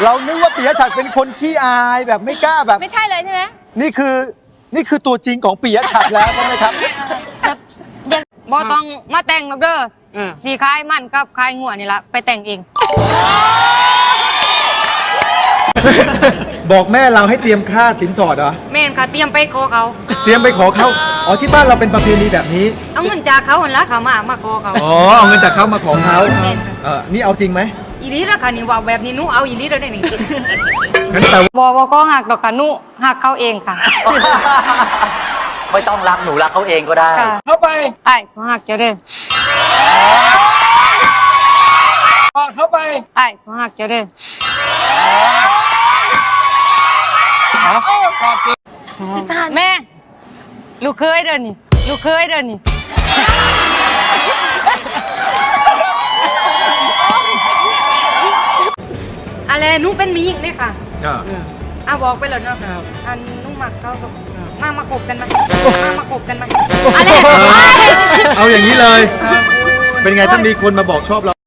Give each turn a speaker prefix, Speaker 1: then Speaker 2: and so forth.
Speaker 1: เรานึกว่าปิยะฉัตรเป็นคนขี้อายแบบไม่กล้าแบบ
Speaker 2: ไม่ใช่เลยใช่ไหม
Speaker 1: นี่คือตัวจริงของปิยะฉัตรแล้วใช่ไหมครับ
Speaker 3: บ่ต้องมาแต่งหรอกเด้อสีคายมันกับคายงัวนี่ละไปแต่งเอง
Speaker 4: บอกแม่เราให้เตรียมค่าสินสอดเหรอ
Speaker 3: แม่นค่ะเตรียมไปขอเขา
Speaker 4: เตรียมไปขอเขาอ๋อที่บ้านเราเป็นประเพณีแบบนี้
Speaker 3: เอาเงินจากเขาหันละเขามาขอเขา
Speaker 4: อ๋อเอาเงินจากเขามาขอเขานี่เอาจริงไหม
Speaker 3: อีนี้ละค่ะนี่ว่าแบบนี้หนูเอาอีนี้แล้วได้นี่
Speaker 4: งั้นแต่
Speaker 3: บ่ก็หักดอกค่ะหนูหักเขาเองค่ะ
Speaker 5: ไม่ต้องรักหนูรักเขาเองก็ได้
Speaker 3: ค่ะ
Speaker 1: เข้าไป
Speaker 3: ไอ้ก็หักเจะเด้อ
Speaker 1: เข้าไป
Speaker 3: ไอ้ก็หักเจะเด้อแม่ลูกเคยเด้อนี่ลูกเคยเด้อนี่อะไรหนูเป็นมีอีกเนี่ยค่ะบอกไปแล้วเนาะอันนุ่งหมักเขากับมากบกันมามาคบกันมาอะไร
Speaker 4: เอาอย่างนี้เลย เป็นไงถ้ามีคนมาบอกชอบเรา